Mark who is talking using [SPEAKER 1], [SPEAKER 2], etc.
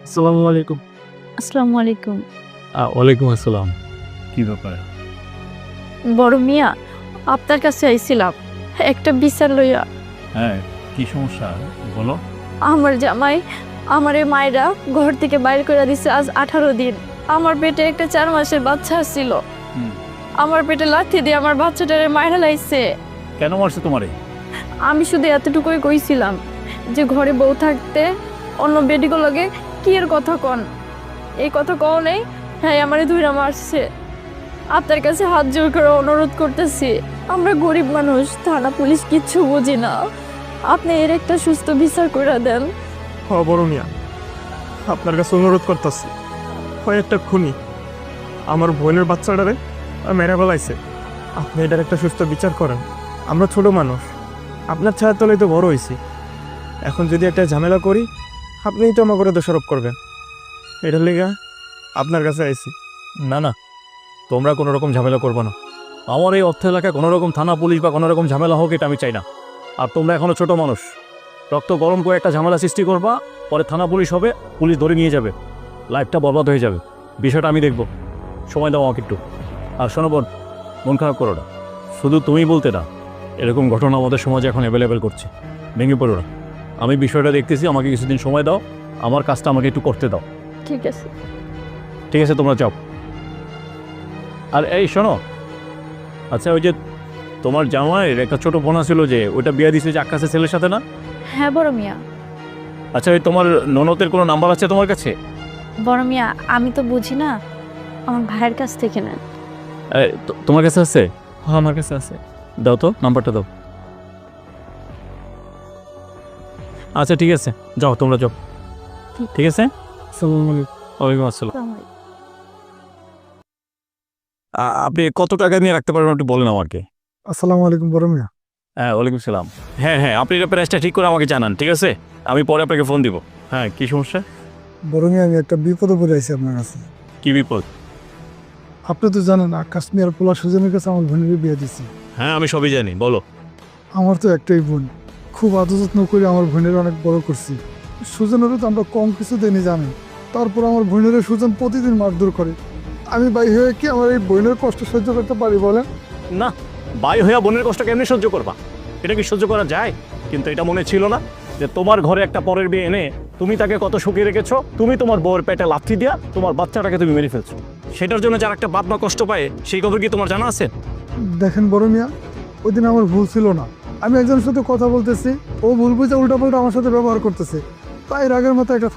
[SPEAKER 1] আসসালামু আলাইকুম।
[SPEAKER 2] আসসালামু আলাইকুম।
[SPEAKER 1] ওয়ালাইকুম আসসালাম। কি ব্যাপার?
[SPEAKER 2] বড় মিয়া, আপনার কাছে আইছিলাম একটা বিচার লইয়া।
[SPEAKER 1] হ্যাঁ, কি সমস্যা বলো?
[SPEAKER 2] আমার জামাই আমারে মায়েরা ঘর থেকে বাইর করে দিছে আজ 18 দিন। আমার পেটে একটা 4 মাসের বাচ্চা ছিল। আমার পেটে লাথি দিয়ে আমার বাচ্চাটারে মাইরা লাইছে।
[SPEAKER 1] কেন মারছে তোমারে?
[SPEAKER 2] আমি শুধু এতটুকুই কইছিলাম যে ঘরে বউ থাকতে অন্য বেডিগো লগে কি এর কথা কন। এই কথা কও নেই, হ্যাঁ আমারে ধইরা মারছে। আপনার কাছে হাত জোর করে অনুরোধ করতেছি, আমরা গরিব মানুষ, থানা পুলিশ কিচ্ছু বুঝি না, আপনি এর একটা সুস্থ বিচার করে দেন।
[SPEAKER 3] বড় মিয়া, আপনার কাছে অনুরোধ করতেছি, হয় একটা খুনি আমার বোনের বাচ্চাটারে মেরে ফেলাইছে, আপনি এটার একটা সুস্থ বিচার করেন। আমরা ছোট মানুষ, আপনার ছায়ার তলেই তো বড় হয়েছি। এখন যদি একটা ঝামেলা করি, আপনিই তো আমার করে দোষারোপ করবেন। এটার লেগে আপনার কাছে আইছি।
[SPEAKER 1] না না, তোমরা কোনো রকম ঝামেলা করবে না। আমার এই অর্থ এলাকায় কোনো রকম থানা পুলিশ বা কোনো রকম ঝামেলা হোক, এটা আমি চাই না। আর তোমরা এখনো ছোট মানুষ, রক্ত গরম করে একটা ঝামেলা সৃষ্টি করবা, পরে থানা পুলিশ হবে, পুলিশ ধরে নিয়ে যাবে, লাইফটা বরবাদ হয়ে যাবে। বিষয়টা আমি দেখব, সময় দাও আমাকে একটু। আর শোনো বোন, মন খারাপ করো না, শুধু তুমি বলতে না, এরকম ঘটনা আমাদের সমাজে এখন অ্যাভেলেবেল করছে, ভেঙে পড়ো না। আমি বিষয়টা দেখতেছি, আমাকে কিছুদিন সময় দাও, আমার কাজটা আমাকে একটু করতে দাও।
[SPEAKER 2] ঠিক আছে।
[SPEAKER 1] ঠিক আছে, তোমরা যাও। আর এই শোনো, আচ্ছা ওই যে তোমার জামাইয়ের একটা ছোট বোনা ছিল যে ওইটা বিয়ে দিছে যে আকাশের ছেলের সাথে না?
[SPEAKER 2] হ্যাঁ বড় মিয়া।
[SPEAKER 1] আচ্ছা ওই তোমার ননদের কোনো নাম্বার আছে তোমার কাছে?
[SPEAKER 2] বড় মিয়া, আমি তো বুঝি না, আমার ভাইয়ের কাছ থেকে নেন।
[SPEAKER 1] তোমার কাছে আছে?
[SPEAKER 3] হ্যাঁ, আমার কাছে আছে।
[SPEAKER 1] দাও তো, নাম্বারটা দাও। আচ্ছা ঠিক আছে, যাও তোমরা যাও। ঠিক আছে,
[SPEAKER 3] আসসালামু আলাইকুম।
[SPEAKER 1] ওয়ালাইকুম আসসালাম। আপনি কত টাকা নিয়ে রাখতে পারবেন একটু বলেন আমাকে।
[SPEAKER 3] আসসালামু আলাইকুম বড় মিয়া।
[SPEAKER 1] হ্যাঁ ওয়ালাইকুম সালাম। হ্যাঁ হ্যাঁ, আপনি এটা প্রাইসটা ঠিক করে আমাকে জানান, ঠিক আছে? আমি পরে আপনাকে ফোন দিব। হ্যাঁ, কি সমস্যা?
[SPEAKER 4] বড় মিয়া, আমি একটা বিপদে পড়ে আছি আপনার কাছে।
[SPEAKER 1] কি বিপদ?
[SPEAKER 4] আপনি তো জানেন আকাশ মিয়ার পোলা সুজনের কাছে আমার বোনের বিয়ে দিছি।
[SPEAKER 1] হ্যাঁ আমি সবই জানি, বলো।
[SPEAKER 4] আমার তো একটাই বোন, খুব আদর যত্ন করে আমার বোনের অনেক বড় করছি। সুজনেরও তো আমরা কম কিছু দেনি জানেন, তারপর আমার বোনের সুজন প্রতিদিন মারধর করে। আমি ভাই হয়ে কি আমার এই বোনের কষ্ট সহ্য করতে পারি বলেন?
[SPEAKER 1] না, বাই হইয়া বোনের কষ্ট কেমনি সহ্য করবা? এটা কি সহ্য করা যায়? কিন্তু এটা মনে ছিল না যে তোমার ঘরে একটা পরের বিয়ে এনে তুমি তাকে কত সুখী রেখেছো, তুমি তোমার বউয়ের পেটে লাথি দিয়া তোমার বাচ্চাটাকে তুমি মেরে ফেলছো। সেটার জন্য যার একটা বাপ মা কষ্ট পায়, সেই খবর কি তোমার জানা আছে?
[SPEAKER 4] দেখেন বড় মিয়া, ওই দিন আমার ভুল ছিল না। আমি একজনের সাথে কথা বলতেছি, ও ভুল বুঝে উল্টাপাল্টা আমার সাথে ব্যবহার করতেছে, তাই রাগের মতো একটা